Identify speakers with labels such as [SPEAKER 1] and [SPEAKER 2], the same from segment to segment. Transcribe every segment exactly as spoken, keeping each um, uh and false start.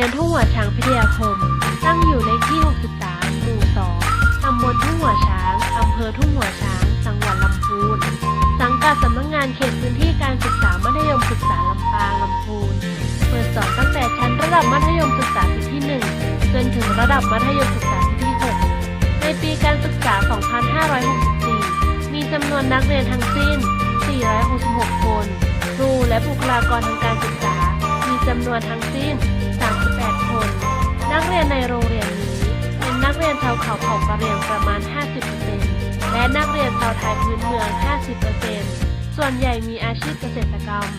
[SPEAKER 1] ยนทุ่งหัวช้างพิทยาคมตั้งอยู่เลขที่หกสิบสามหมู่สองตำบลทุ่งหัวช้างอำเภอทุ่งหัวช้างจังหวัดลำพูนสังกัดสำนักงานเขตพื้นที่การศึกษามัธยมศึกษาลำปางลำพูนเปิดสอนตั้งแต่ชั้นระดับมัธยมศึกษาปีที่หนึ่งจนถึงระดับมัธยมศึกษาปีที่หกในปีการศึกษา สองพันห้าร้อยหกสิบสี่ มีจำนวนนักเรียนทั้งสิ้น สี่ร้อยหกสิบหก คนครูและบุคลากรทางการศึกษามีจำนวนทั้งสิ้น สามสิบแปด คน นักเรียนในโรงเรียนนี้เป็นนักเรียนชาวเขาเผ่ากะเหรี่ยงประมาณ ห้าสิบเปอร์เซ็นต์ และนักเรียนชาวไทยพื้นเมือง ห้าสิบเปอร์เซ็นต์ ส่วนใหญ่มีอาชีพเกษตรกรรม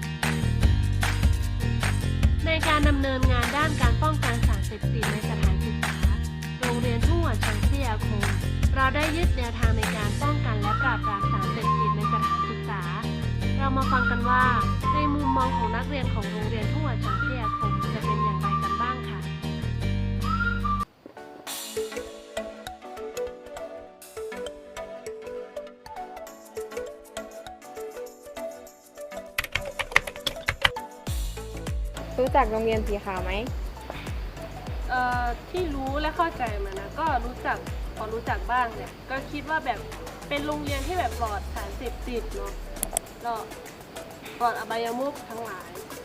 [SPEAKER 1] ในการดำเนินงานด้านการป้องกันสารเสพติดในสถานศึกษา โรงเรียนทุ่งหัวช้างพิทยาคมเราได้ยึดแนวทางในการป้องกันและปราบปรามสารเสพติดในสถานศึกษา เรามาฟังกันว่าในมุมมองของนักเรียนของโรงเรียนทุ่งหัวช้างพิทยาคมจะเป็นอย่างไรกันบ้างค่ะ
[SPEAKER 2] รู้จักโรงเรียนสีขาวไหม
[SPEAKER 1] เอ่อที่รู้และเข้าใจมานะก็รู้จักพอรู้จักบ้างเนี่ยก็คิดว่าแบบเป็นโรงเรียนที่แบบปลอดสารเสพติดเนาะก็ปลอดอบายมุขทั้งหลาย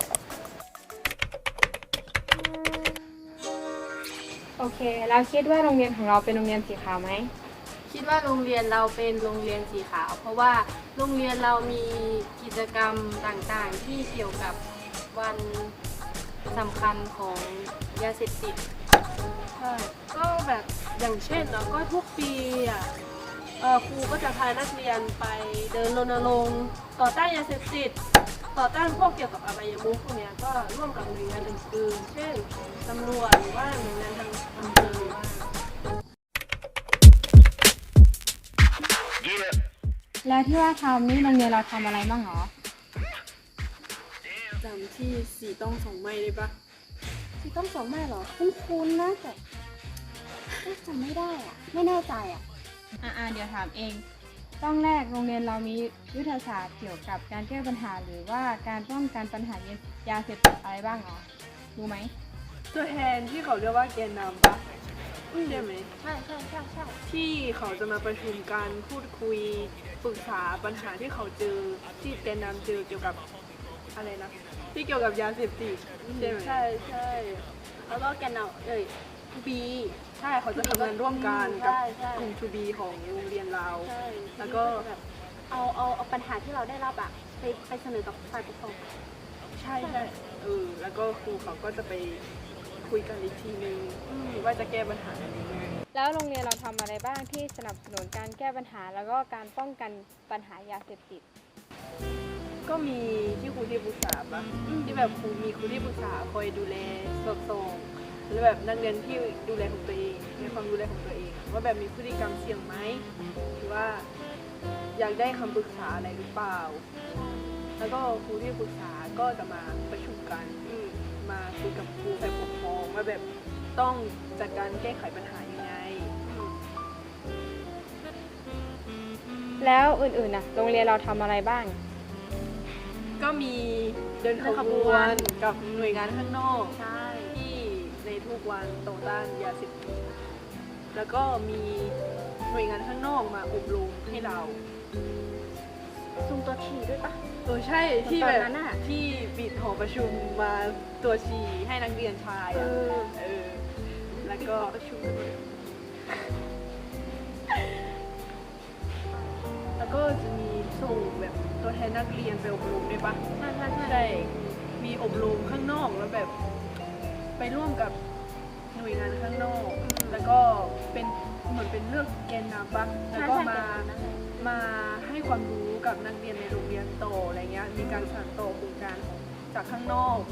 [SPEAKER 2] โอเค เราคิดว่าโรงเรียนของเราเป็นโรงเรียนสีขาวไหม
[SPEAKER 3] คิดว่าโรงเรียนเราเป็นโรงเรียนสีขาว เพราะว่าโรงเรียนเรามีกิจกรรมต่างๆที่เกี่ยวกับวันสำคัญของยาเสพติด
[SPEAKER 1] ใช่ก็แบบอย่างเช่นเนาะก็ทุกปีอ่ะเออครูก็จะพานักเรียนไปเดินรณรงค์ต่อต้านยาเสพติดต่อต้านพวกเกี่ยวกับอบายมุขพวกเนี้ยก็ร่วมกับหน่วยงานอื่นๆเช่นตำรวจหรือว่าหน่วยงานทางอำเภอบ้าง
[SPEAKER 2] แล้วที่ว่าทำนี่โรงเรียนเราทำอะไรบ้างหรอ
[SPEAKER 1] จำที่สีต้องสองไม้ได้ปะ
[SPEAKER 4] ที่ต้องสองแม่เหรอ คุ้นๆนะแต่เอ๊ะจำไม่ได้อะไม่แน่ใจอะ
[SPEAKER 2] อ่าเดี๋ยวถามเอง ต้องแรกโรงเรียนเรามียุทธศาสตร์เกี่ยวกับการแก้ปัญหาหรือว่าการป้องกันปัญหายาเสพติดอะไรบ้างหรอ รู้ไหม
[SPEAKER 1] ตัวแทนที่เขาเรียกว่าแกนนำปะใช่ไหม
[SPEAKER 4] ใช่ใช่ใช่ใช่
[SPEAKER 1] ที่เขาจะมาประชุมกันพูดคุยปรึกษาปัญหาที่เขาเจอที่แกนนำเจอเกี่ยวกับอะไรนะที่เกี่ยวกับยาเสพติดใช่ไหมใช่ใช่
[SPEAKER 4] แล้วก็แกนเอาเอ้ยบี
[SPEAKER 1] ใช่เขาจะทำงานร่วมกันกับ
[SPEAKER 4] ใช่ใช่
[SPEAKER 1] กลุ่ม ทู บี ของโรงเรียนเรา
[SPEAKER 4] ใช่
[SPEAKER 1] แล้วก็
[SPEAKER 4] แบบเอาเอาเอาปัญหาที่เราได้รับอะไปไปเสนอกับฝ่ายปกครอง
[SPEAKER 1] ใช่ใช่เออแล้วก็ครูเขาก็จะไปคุยกันอีกทีนึงว่าจะแก้ปัญหายังไง
[SPEAKER 2] แล้วโรงเรียนเราทำอะไรบ้างที่สนับสนุนการแก้ปัญหาแล้วก็การป้องกันปัญหายาเสพติด
[SPEAKER 1] ก็มีที่ครูที่ปรึกษาปะที่แบบครูมีครูที่ปรึกษาคอยดูแลสอดส่องหรือแบบนักเรียนที่ดูแลของตัวเองมีความดูแลของตัวเองว่าแบบมีพฤติกรรมเสี่ยงไหมหรือว่าอยากได้คำปรึกษาอะไรหรือเปล่า แล้วก็ครูที่ปรึกษาก็จะมาประชุมกันมาคุยกับครูฝ่ายปกครองว่าแบบต้องจัดการแก้ไขปัญหายังไง
[SPEAKER 2] แล้วอื่นๆนะโรงเรียนเราทำอะไรบ้าง
[SPEAKER 1] ก็มีเดินขบวนกับหน่วยงานข้างนอก
[SPEAKER 4] ใช่
[SPEAKER 1] ที่ในทุกวันต่อต้านยาเสพติดแล้วก็มีหน่วยงานข้างนอกมาอบรมให้เรา
[SPEAKER 4] ซุ่มตัวฉี่ด้วยปะ
[SPEAKER 1] เออใช่ที่
[SPEAKER 4] ต
[SPEAKER 1] แบ
[SPEAKER 4] อน
[SPEAKER 1] บ
[SPEAKER 4] นั้นอะ
[SPEAKER 1] ที่ปิดหอประชุมมาตัวชีให้นักเรียนชาย
[SPEAKER 4] เอ
[SPEAKER 1] อะ
[SPEAKER 4] อ
[SPEAKER 1] เออแล้วก็ประชุมกันเลยแล้วก็จะมีส่งแบบตัวแทนนักเรียนไปอบรมด้วยปะ
[SPEAKER 4] ใช่ใช่ใช่
[SPEAKER 1] ใช่มีอบรมข้างนอกแล้วแบบไปร่วมกับหน่วยงานข้างนอก แล้วก็เป็นเหมือนเป็นเลือกแกนนำปะแล้วก็มา มาให้ความรู้กับนักเรียนในโรงเรียนโตออะไรเงี้ย มีการสานต่อโครงการของจากข้างนอก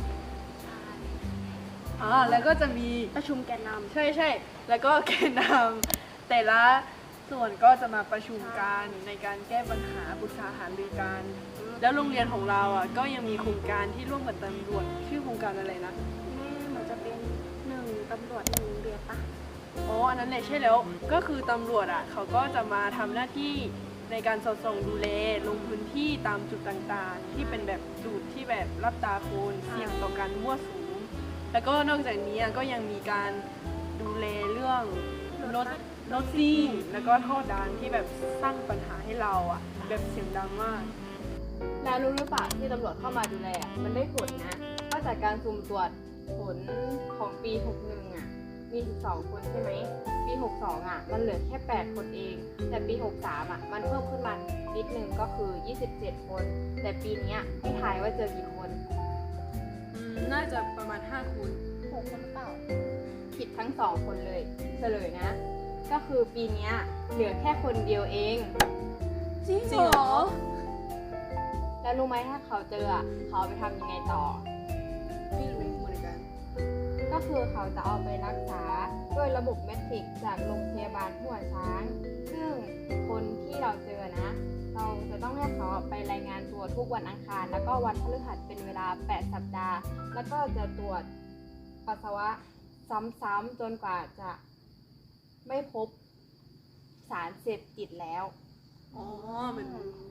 [SPEAKER 1] อ่าแล้วก็จะมี
[SPEAKER 4] ประชุมแกนนำ
[SPEAKER 1] ใช่ใช่แล้วก็แกนนำแต่ละส่วนก็จะมาประชุมกันในการแก้ปัญหาปรึกษาหารือกัน แล้วโรงเรียนของเราอ่ะก็ยังมีโครงการที่ร่วมกับตำรวจชื่อโครงการอะไรนะ
[SPEAKER 4] นี่มันจะเป็นหนึ่งตำรวจหนึ่งเรียนปะ
[SPEAKER 1] อ๋อ อันนั้นเลยใช่แล้ว ก็คือตำรวจอ่ะเขาก็จะมาทำหน้าที่ในการสอดส่องดูแลลงพื้นที่ตามจุดต่างๆ ที่เป็นแบบจุดที่แบบรับตาคนเสี่ยงต่อการมั่วสุม
[SPEAKER 5] แล้วก็นอกจากนี้ก็ยังมีการดูแลเรื่องรถรถซิ่งแล้วก็ท่อดังที่แบบสร้างปัญหาให้เราอ่ะแบบเสียงดังมาก
[SPEAKER 3] แล้วรู้หรือเปล่าที่ตำรวจเข้ามาดูแลอะมันได้ผลนะเพราะจากการสุ่มตรวจผลของปี หกสิบเอ็ด อ่ะ มี สิบสอง คนใช่ไหม ปี หกสิบสอง อ่ะ มันเหลือแค่ แปด คนเอง แต่ปี หกสิบสาม อ่ะ มันเพิ่มขึ้นมานิดนึงก็คือ ยี่สิบเจ็ด คน แต่ปีเนี้ยให้ทายว่าเจอกี่คน
[SPEAKER 5] อืมน่าจะประมาณห้าคน
[SPEAKER 4] หกคนหรือเปล่า
[SPEAKER 3] ผิดทั้งสองคนเลยเฉลยนะ ก็คือปีเนี้ยเหลือแค่คนเดียวเอง
[SPEAKER 5] จริงเหรอ
[SPEAKER 3] แล้วรู้ไหมถ้าเขาเจออ่ะเขาเอาไปทำยังไงต่อ
[SPEAKER 5] ไม่รู้เหมือนกัน
[SPEAKER 3] ก็คือเขาจะเอาไปรักษาด้วยระบบแมทริกจากโรงพยาบาลหัวช้าง ซึ่งคนที่เราเจอนะ เราจะต้องให้เขาไปรายงานตัวทุกวันอังคาร แล้วก็วันพฤหัสเป็นเวลา แปด สัปดาห์ แล้วก็จะตรวจปัสสาวะซ้ำๆจนกว่าจะไม่พบสารเสพติดแล้ว
[SPEAKER 5] อ๋อมัน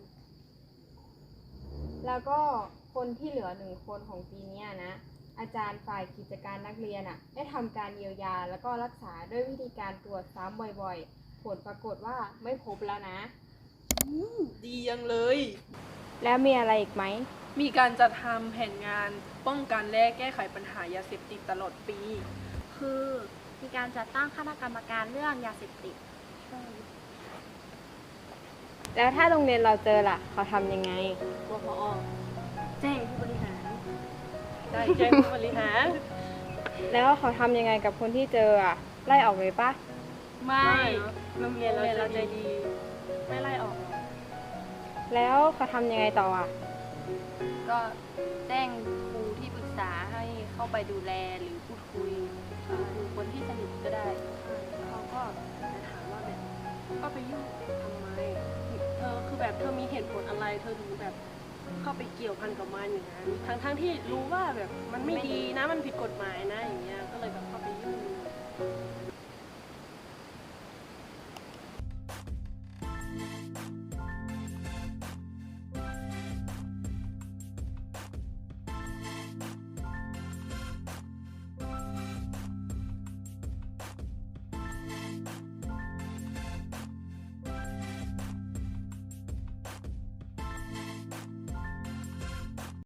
[SPEAKER 3] แล้วก็คนที่เหลือหนึ่งคนของปีเนี้ยนะ อาจารย์ฝ่ายกิจการนักเรียนอ่ะ ได้ทำการเยียวยาแล้วก็รักษาด้วยวิธีการตรวจซ้ำบ่อยๆ ผลปรากฏว่าไม่พบแล้วนะ
[SPEAKER 5] ดียังเลย
[SPEAKER 3] แล้วมีอะไรอีกไหม
[SPEAKER 5] มีการจัดทำแผนงานป้องกันและแก้ไขปัญหายาเสพติดตลอดปี
[SPEAKER 4] คือมีการจัดตั้งคณะกรรมการเรื่องยาเสพติด
[SPEAKER 3] แล้วถ้าโรงเรียนเราเจอล่ะ เขาทำยังไง
[SPEAKER 5] บพอ
[SPEAKER 4] แจ้งผู้บริหาร
[SPEAKER 5] ได้แจ้งผู้บริหาร
[SPEAKER 3] แล้วเขาทำยังไงกับคนที่เจออ่ะ ไล่ออกเลยปะ
[SPEAKER 5] ไม่โรงเรียนเราใจดี ไม่ไล่ออกหรอก
[SPEAKER 3] แล้วเขาทำยังไงต่ออ่ะ
[SPEAKER 6] ก็แจ้งครูที่ปรึกษาให้เข้าไปดูแลหรือพูดคุยกับครูคนที่สนิทก็ได้เขาก็จะถามว่าแบบก็ไปยุ่งทำไมเธอคือแบบเธอมีเหตุผลอะไรเธอถึงแบบเข้าไปเกี่ยวพันกับมันอย่างนั้นทั้งทั้งที่รู้ว่าแบบมันไม่ดีนะมันผิดกฎหมายนะอย่างเงี้ยก็เลยแบบเข้า